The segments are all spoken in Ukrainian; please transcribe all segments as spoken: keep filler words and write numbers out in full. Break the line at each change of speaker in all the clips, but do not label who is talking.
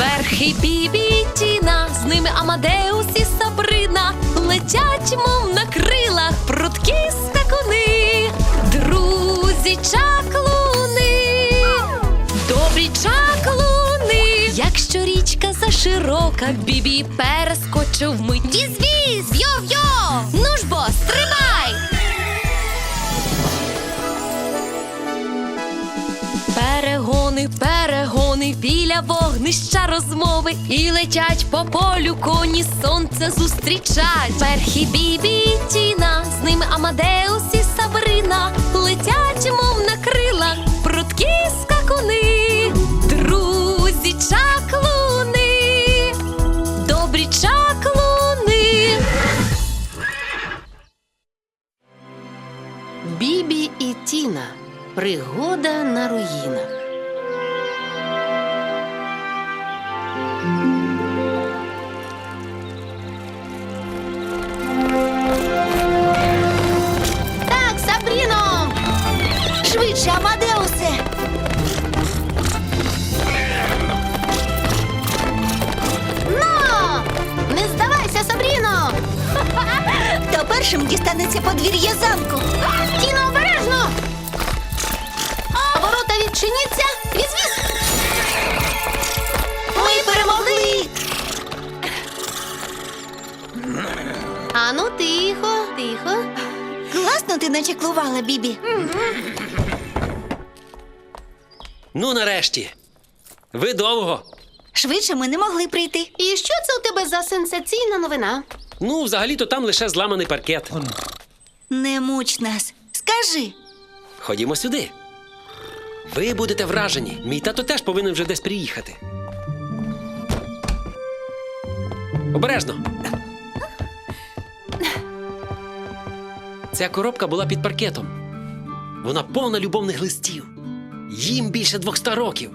Верхи Бібі і Тіна, з ними Амадеус і Сабрина. Летять, мов на крилах, прудкі скакуни. Друзі чаклуни, добрі чаклуни. Якщо річка заширока, Бібі перескочив вмить. Віз-віз, йо-йо, ну ж бо, стрибай! Перегони, перегони, біля вогнища розмови. І летять по полю коні, сонце зустрічать. Верхи Бібі і Тіна, з ними Амадеус і Сабрина. Летять, мов на крилах, прудкі скакуни. Друзі чаклуни, добрі чаклуни.
Бібі і Тіна. Пригода на руїнах.
Так, Сабріно! Швидше, Амадеусе! Ну! Не здавайся, Сабріно! Хто першим дістанеться подвір'я замку? Тіно, обережно! Ворота відчиняться! Віз-віз! Ми перемогли! Ану, тихо, тихо. Класно ти начеклувала, Бібі.
Ну, нарешті. Ви довго.
Швидше ми не могли прийти.
І що це у тебе за сенсаційна новина?
Ну, взагалі-то там лише зламаний паркет.
Не муч нас. Скажи.
Ходімо сюди. Ви будете вражені. Мій тато теж повинен вже десь приїхати. Обережно. Ця коробка була під паркетом. Вона повна любовних листів. Їм більше двохсот років.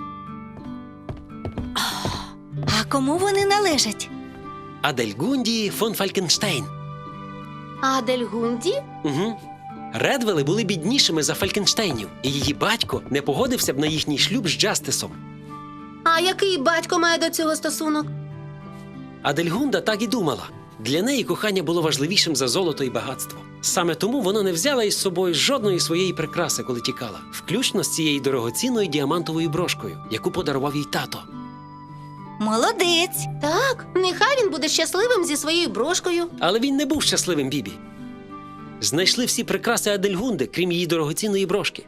А кому вони належать?
Адельгунді фон Фалькенштейн.
Адельгунді?
Угу. Редвели були біднішими за Фалькенштейнів, і її батько не погодився б на їхній шлюб з Джастисом.
А який батько має до цього стосунок?
Адельгунда так і думала. Для неї кохання було важливішим за золото і багатство. Саме тому вона не взяла із собою жодної своєї прикраси, коли тікала, включно з цією дорогоцінною діамантовою брошкою, яку подарував їй тато.
Молодець.
Так, нехай він буде щасливим зі своєю брошкою.
Але він не був щасливим, Бібі. Знайшли всі прикраси Адельгунди, крім її дорогоцінної брошки.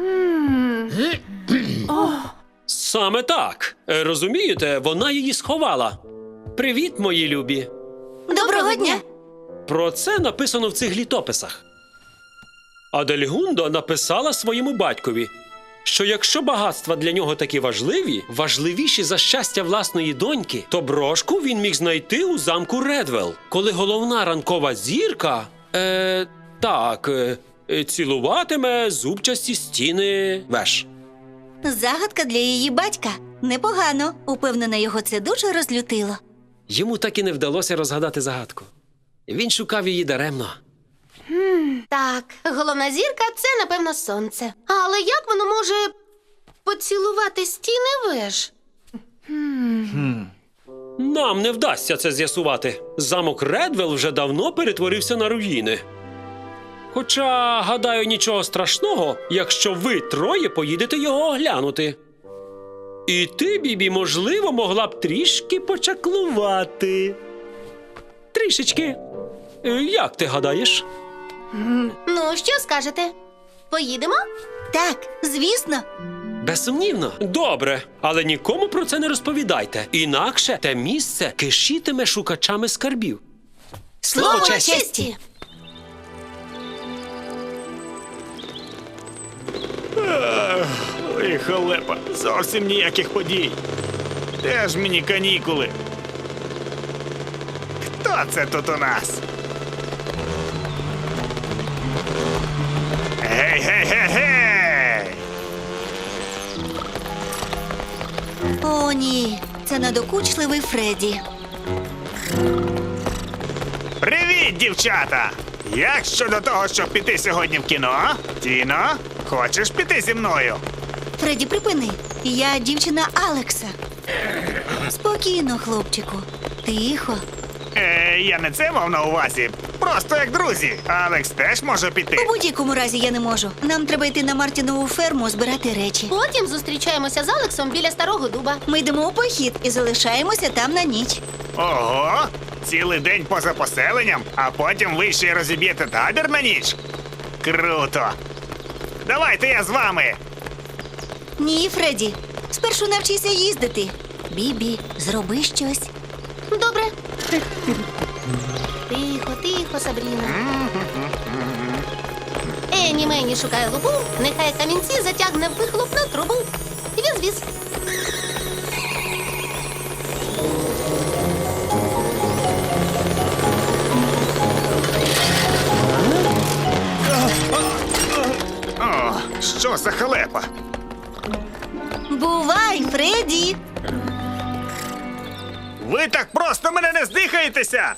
Саме так. Е, Розумієте, вона її сховала. Привіт, мої любі.
Доброго дня.
Про це написано в цих літописах. Адельгунда написала своєму батькові, що якщо багатства для нього такі важливі, важливіші за щастя власної доньки, то брошку він міг знайти у замку Редвел, коли головна ранкова зірка, е, так, е, цілуватиме зубчасті стіни веж.
Загадка для її батька. Непогано. Упевнена, його це дуже розлютило.
Йому так і не вдалося розгадати загадку. Він шукав її даремно.
Так, головна зірка – це, напевно, сонце. Але як воно може поцілувати стіни веж?
Нам не вдасться це з'ясувати. Замок Редвел вже давно перетворився на руїни. Хоча, гадаю, нічого страшного, якщо ви троє поїдете його оглянути. І ти, Бібі, можливо, могла б трішки почаклувати. Трішечки. Е, Як ти гадаєш?
Ну, що скажете? Поїдемо?
Так, звісно.
Безсумнівно. Добре, але нікому про це не розповідайте. Інакше те місце кишітиме шукачами скарбів.
Слово честі.
Ой, халепа, зовсім ніяких подій. Де ж мені канікули? Хто це тут у нас? Гей, гей, гей, гей!
О, ні. Це надокучливий Фредді.
Привіт, дівчата! Як щодо того, щоб піти сьогодні в кіно? Тіно, хочеш піти зі мною?
Фредді, припини. Я дівчина Алекса. Спокійно, хлопчику. Тихо.
Е, я не це мав на увазі. Просто як друзі. Алекс теж може піти.
У будь-якому разі я не можу. Нам треба йти на Мартінову ферму збирати речі.
Потім зустрічаємося з Алексом біля старого дуба.
Ми йдемо у похід і залишаємося там на ніч.
Ого! Цілий день поза поселенням, а потім ви ще й розіб'єте табір на ніч? Круто! Давайте я з вами!
Ні, Фредді. Спершу навчися їздити. Бібі, зроби щось.
Добре. Тихо, тихо, Сабріно. Ені мені шукає лупу, нехай камінці затягне в вихлопну трубу. Віз-віз.
О, що за халепа?
Бувай, Фредді!
Ви так просто мене не здихаєтеся!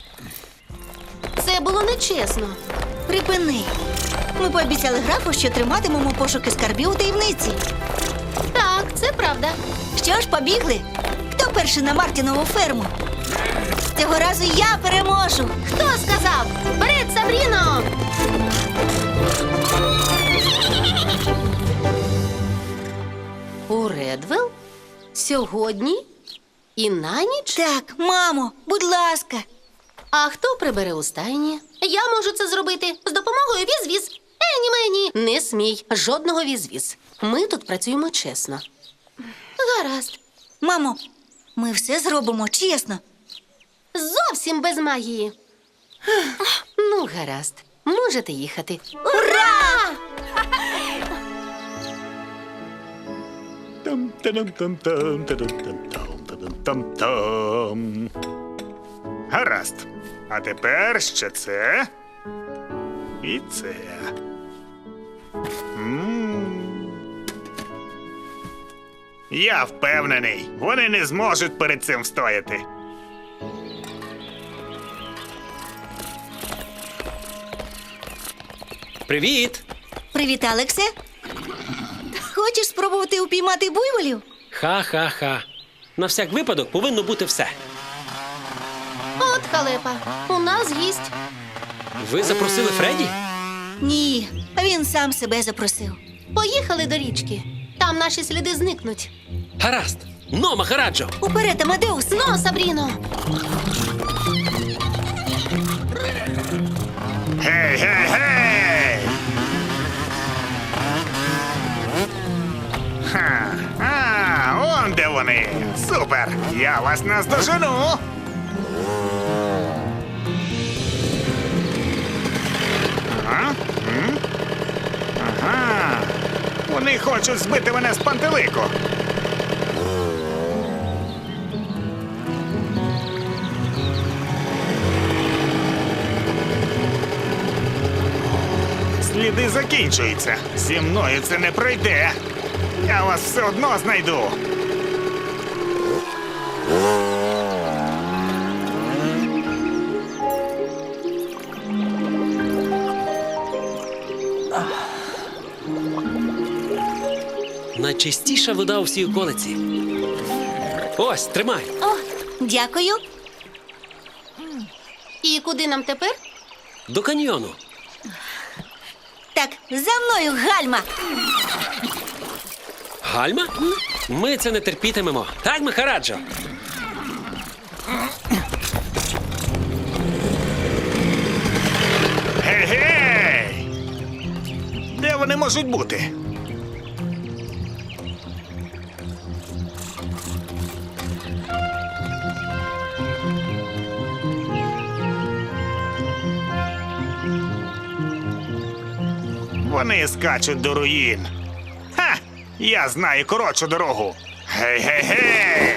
Це було нечесно.
Припини. Ми пообіцяли графу, що триматимемо пошуки скарбів у таємниці.
Так, це правда.
Що ж, побігли? Хто перший на Мартінову ферму? Цього разу я переможу.
Хто сказав? Вперед, Сабріно! У Редвелл? Сьогодні? І на ніч?
Так, мамо, будь ласка.
А хто прибере у стайні? Я можу це зробити з допомогою віз-віз. Ені мені. Не смій, жодного віз-віз. Ми тут працюємо чесно. Гаразд.
Мамо, ми все зробимо чесно.
Зовсім без магії. Ну, гаразд. Можете їхати.
Ура!
Там-там-там-там-там-там-там. Гаразд. А тепер ще це. І це. М. Я впевнений, вони не зможуть перед цим встояти.
Привіт!
Привіт, Алексе. Хочеш спробувати упіймати буйволів?
Ха-ха-ха. На всяк випадок повинно бути все.
От халепа. У нас гість.
Ви запросили Фредді?
Ні, він сам себе запросив.
Поїхали до річки. Там наші сліди зникнуть.
Гаразд. Но, Махараджо!
Уперед, Амадеус!
Ну, Сабріно!
Гей, гей, гей! Ха, а, он де вони. Супер! Я вас наздожену. А? М? Ага. Вони хочуть збити мене з пантелику. Сліди закінчуються. Зі мною це не пройде. Я вас все одно знайду.
Найчистіша вода у всій околиці. Ось, тримай.
О, дякую.
І куди нам тепер?
До каньйону.
Так, за мною, гальма!
Гальма? Ми це не терпітимемо. Так, Махараджо?
Гей-гей! Де вони можуть бути? Вони скачуть до руїн. Ха! Я знаю коротшу дорогу. Гей-гей-гей!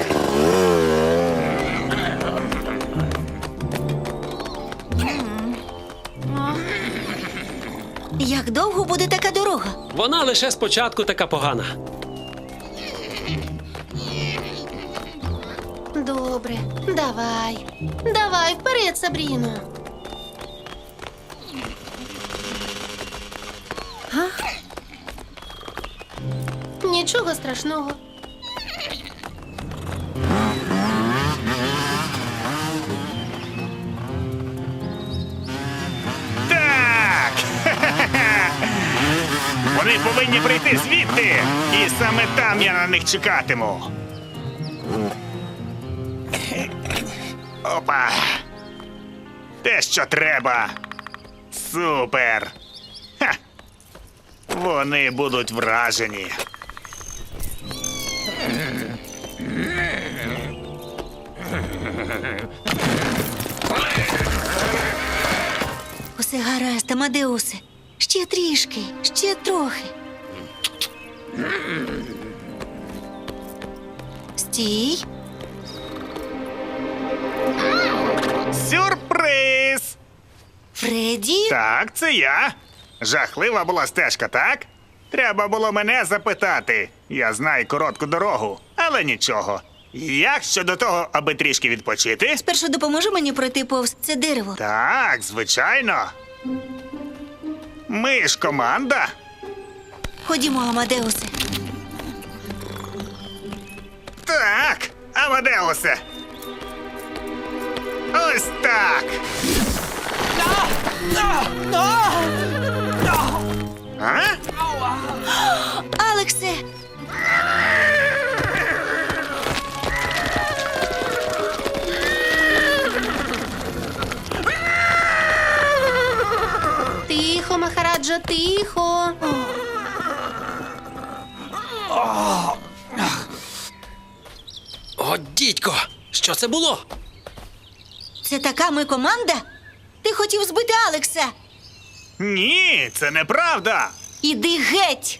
Як довго буде така дорога?
Вона лише спочатку така погана.
Добре, давай. Давай, вперед, Сабріно. Нічого страшного.
Вони повинні прийти звідти. І саме там я на них чекатиму. Опа. Те, що треба. Супер. Ха. Вони будуть вражені.
Усе гаразд, Амадеусе. Ще трішки, ще трохи. Стій.
Сюрприз!
Фредді.
Так, це я. Жахлива була стежка, так? Треба було мене запитати. Я знаю коротку дорогу, але нічого. Як щодо того, аби трішки відпочити?
Спершу допоможи мені пройти повз це дерево.
Так, звичайно. Ми ж команда.
Ходімо, Амадеусе.
Так, Амадеусе. Ось так. А?
Алексе!
Тихо, Махараджо, тихо.
О, дідько! Що це було?
Це така ми команда? Ти хотів збити Алекса.
Ні, це неправда.
Іди геть!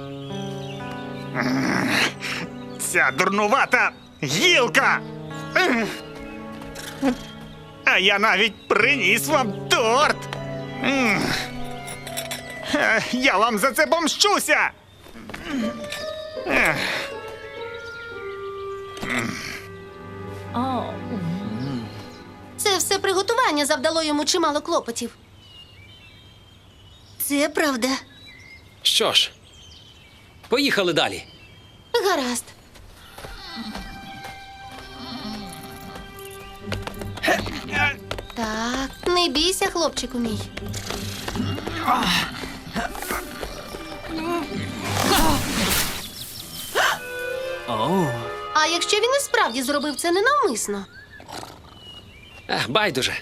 Ця дурнувата гілка. А я навіть приніс вам торт. М. Е, Я вам за це помщуся. Ех.
Це все приготування завдало йому чимало клопотів.
Це правда.
Що ж, поїхали далі.
Гаразд. Так, не бійся, хлопчику мій. А якщо він і справді зробив це ненавмисно?
Ех, байдуже.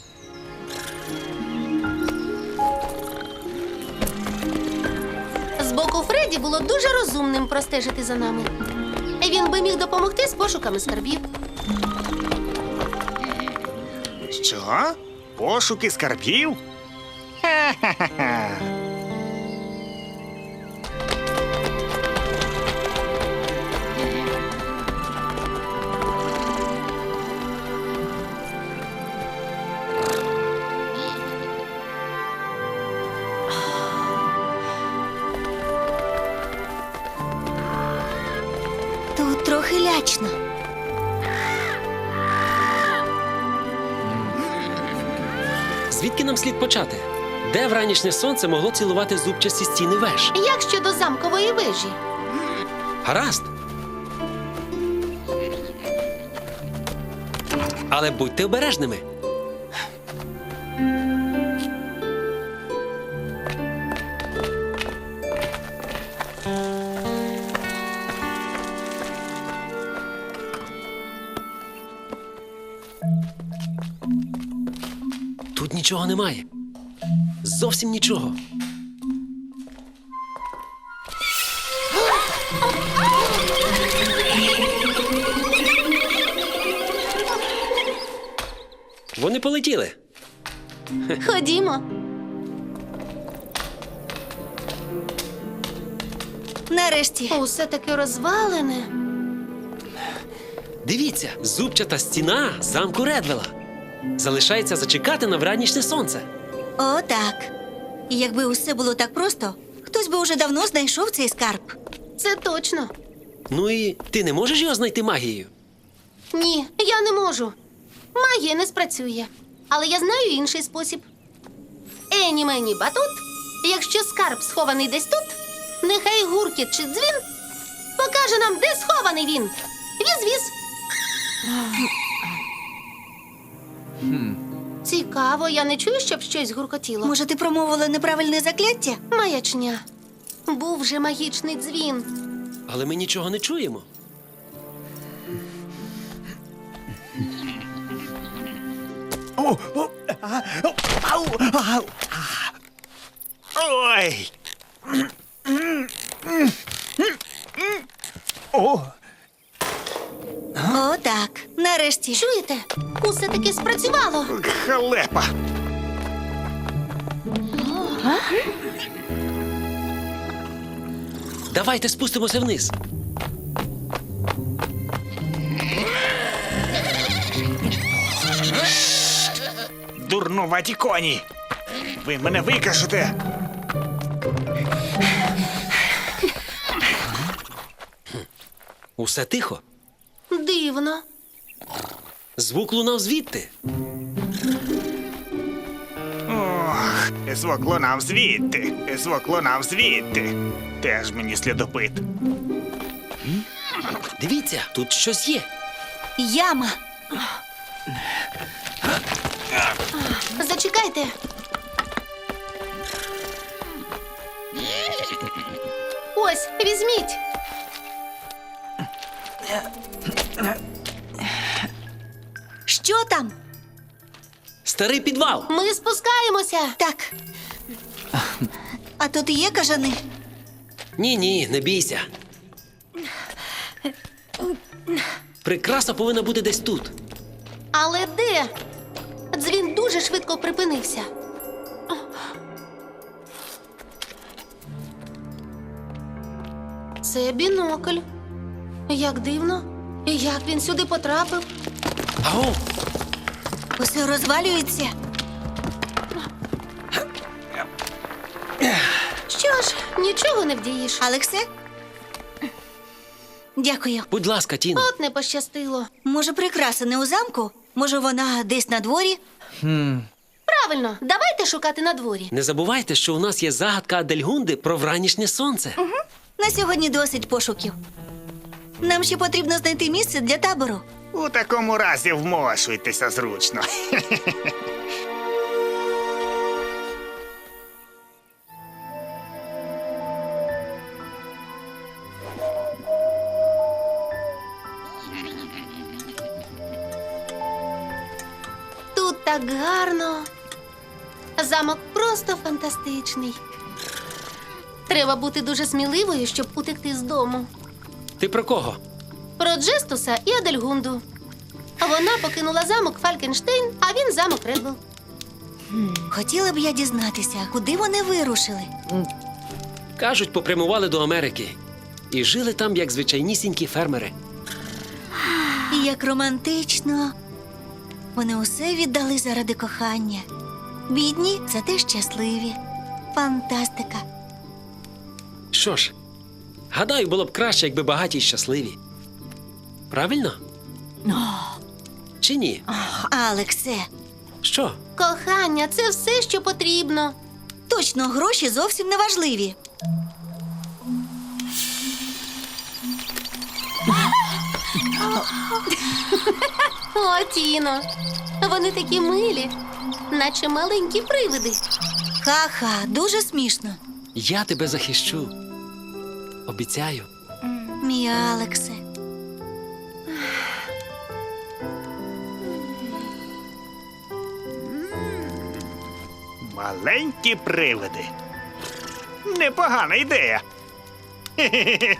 З боку Фредді було дуже розумним простежити за нами. Він би міг допомогти з пошуками скарбів.
Що? Пошуки скарбів? Ха-ха-ха.
Тут трохи лячно.
Звідки нам слід почати? Де вранішнє сонце могло цілувати зубчасті стіни веж?
Як щодо замкової вежі?
Гаразд. Але будьте обережними. Тут нічого немає. Зовсім нічого. Вони полетіли.
Ходімо.
Нарешті.
Усе таки розвалене.
Дивіться, зубчата стіна замку Редвела. Залишається зачекати на вранішнє сонце.
О, так. І якби усе було так просто, хтось би уже давно знайшов цей скарб.
Це точно.
Ну і ти не можеш його знайти магією?
Ні, я не можу. Магія не спрацює. Але я знаю інший спосіб. Ені мені батут. Якщо скарб схований десь тут, нехай гуркіт чи дзвін покаже нам, де схований він. Віз-віз. Цікаво, я не чую, щоб щось гуркотіло.
Може, ти промовила неправильне закляття?
Маячня. Був же магічний дзвін.
Але ми нічого не чуємо.
Ой! О,
О, так. Нарешті.
Чуєте? Усе таки спрацювало.
халепа!
Давайте спустимося вниз.
Дурнуваті коні! Ви мене викашете!
Усе тихо.
Дивно.
Звук лунав звідти.
Ох, звук лунав звідти, звук лунав звідти. Теж мені слідопит.
Дивіться, тут щось є.
Яма.
Зачекайте. Ось, візьміть.
Що там?
Старий підвал.
Ми спускаємося.
Так. А тут є кажани?
Ні, ні, не бійся. Прикраса повинна бути десь тут.
Але де? Дзвін дуже швидко припинився. Це бінокль. Як дивно. І як він сюди потрапив?
Аго,
Усе розвалюється.
Що ж, нічого не вдієш.
Алексе? Дякую.
будь ласка, Тіно.
От не пощастило.
Може, прикраса не у замку? Може, вона десь на дворі?
Правильно, давайте шукати на дворі.
Не забувайте, що у нас є загадка Адельгунди про вранішнє сонце.
На сьогодні досить пошуків. Нам ще потрібно знайти місце для табору.
У такому разі вмошуйтеся зручно.
Тут так гарно. Замок просто фантастичний. Треба бути дуже сміливою, щоб утекти з дому.
Ти про кого?
Про Джестуса і Адельгунду. Вона покинула замок Фалькенштейн, а він замок Редвелл.
Хотіла б я дізнатися, куди вони вирушили.
Кажуть, попрямували до Америки. І жили там, як звичайнісінькі фермери.
І як романтично. Вони усе віддали заради кохання. Бідні, зате щасливі. Фантастика.
Що ж, гадаю, було б краще, якби багаті й щасливі. Правильно? Чи ні?
Алексе,
Що?
Кохання це все, що потрібно.
точно гроші зовсім не важливі.
О, Тіно, вони такі милі, наче маленькі привиди.
Ха-ха, дуже смішно.
Я тебе захищу. Обіцяю.
Мій Алексе.
Маленькі привиди. Непогана ідея. Хе-хе-хе.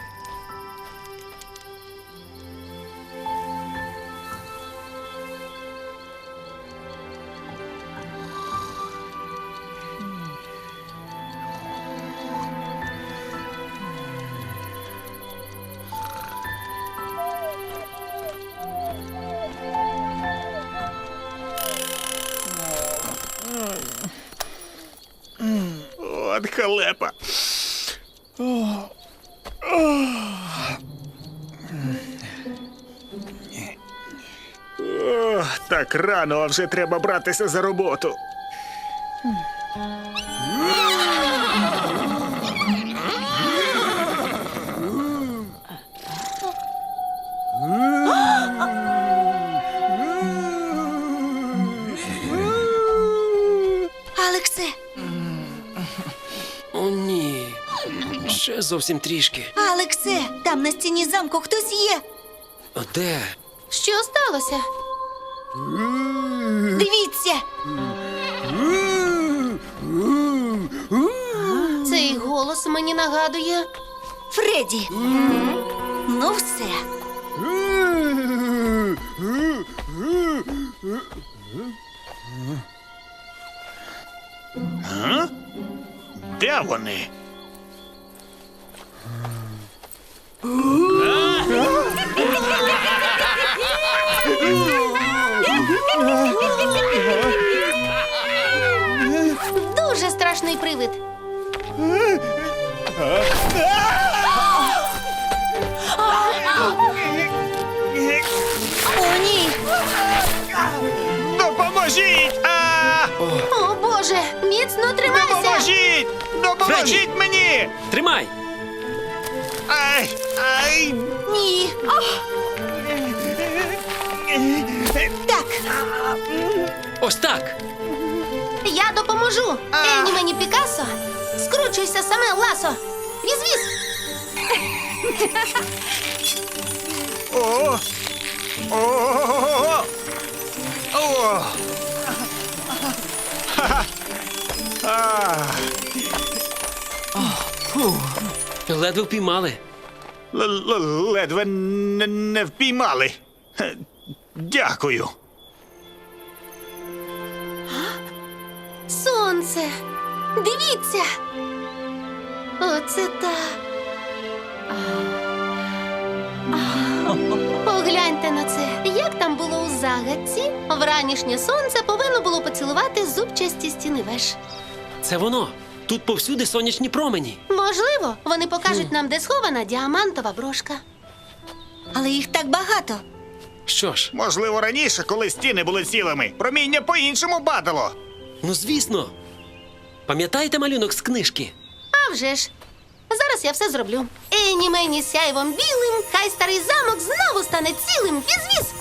От халепа. О, так рано, а вже треба братися за роботу.
Алексе,
О, ні. Ще зовсім трішки.
Алексе, там на стіні замку хтось є.
А де?
Що сталося?
Дивіться.
Цей голос мені нагадує.
Фредді. Ну все.
Де вони?
Дуже страшний привид.
О, ні.
Допоможіть! А!
О, Боже, міцно тримайся!
Допоможіть! Допоможіть мені!
Тримай!
Ай! Ай!
Ні. Так.
Ось так!
Я допоможу! Ені мені Пікассо! Скручуйся саме в ласо! Віз-віз!
О! О! О! Ха-ха! А!
Ледве впіймали.
Л- л- Ледве не не впіймали. Е, Дякую.
Сонце! Дивіться! Оце так! Погляньте на це. Як там було у загадці? Вранішнє сонце повинно було поцілувати зубчасті стіни веж.
Це воно. Тут повсюди сонячні промені.
Можливо, вони покажуть нам, де схована діамантова брошка.
Але їх так багато.
Що ж,
Можливо, раніше, коли стіни були цілими, проміння по-іншому бадало.
ну звісно. Пам'ятаєте малюнок з книжки?
А вже ж. Зараз я все зроблю. Ені мені сяйвом білим, хай старий замок знову стане цілим. Віз-віз!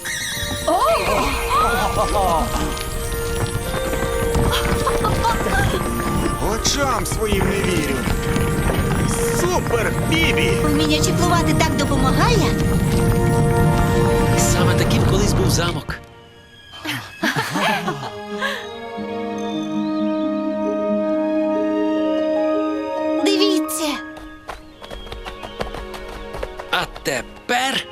Очам своїм не вірю. Супер, Бібі!
Вміння чіплувати так допомагає.
Саме таким колись був замок.
Дивіться.
А тепер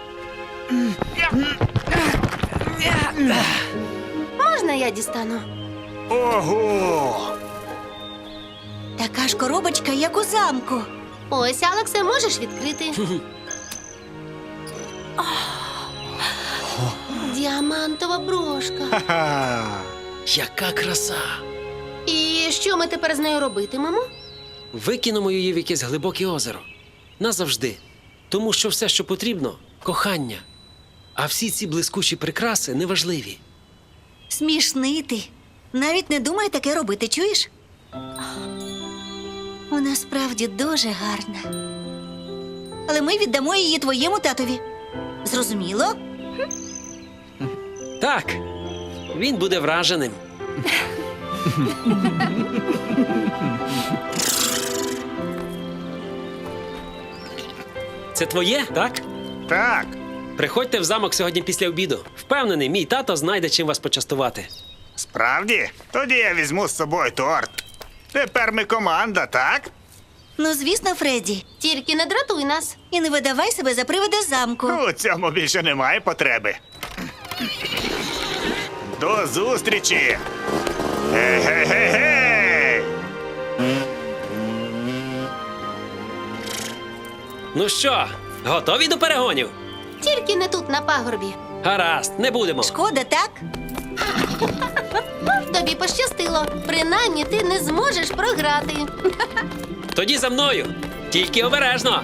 Можна я дістану?
Ого!
Така ж коробочка, як у замку.
Ось, Алексе, можеш відкрити. Діамантова брошка.
Ха-ха!
яка краса!
І що ми тепер з нею робитимемо?
Викинемо її в якесь глибоке озеро. Назавжди. Тому що все, що потрібно кохання. А всі ці блискучі прикраси неважливі.
Смішний ти. Навіть не думай таке робити, чуєш? Вона справді дуже гарна. Але ми віддамо її твоєму татові. Зрозуміло?
Так, він буде враженим. Це твоє, так?
Так,
Приходьте в замок сьогодні після обіду. Впевнений, мій тато знайде, чим вас почастувати.
справді? Тоді я візьму з собою торт. Тепер ми команда, так?
Ну, звісно, Фредді.
Тільки не дратуй нас.
І не видавай себе за привида замку.
У цьому більше немає потреби. До зустрічі! Ге-ге-ге-ге!
Ну що, готові до перегонів?
Тільки не тут, на пагорбі.
Гаразд, не будемо.
Шкода, так?
Тобі пощастило. Принаймні ти не зможеш програти.
Тоді за мною. Тільки обережно.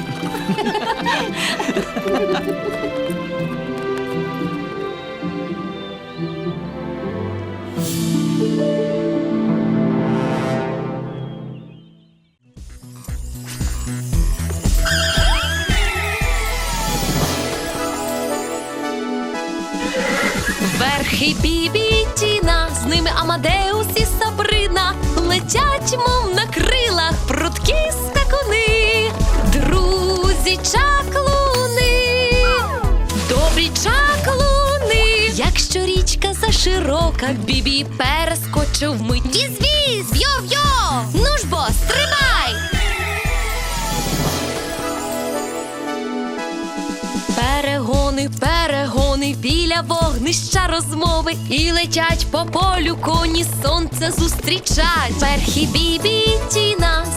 Верхи Бібі і Тіна, з ними Амадеус і Сабрина, летять, мов на крилах, прудкі скакуни. кроках Бібі перескочив мить. Віз-віз! Йо-йо! Ну ж бо, стрибай! Перегони, перегони, біля вогнища розмови. І летять по полю коні, сонце зустрічать. Верхи Бібі і Тіна,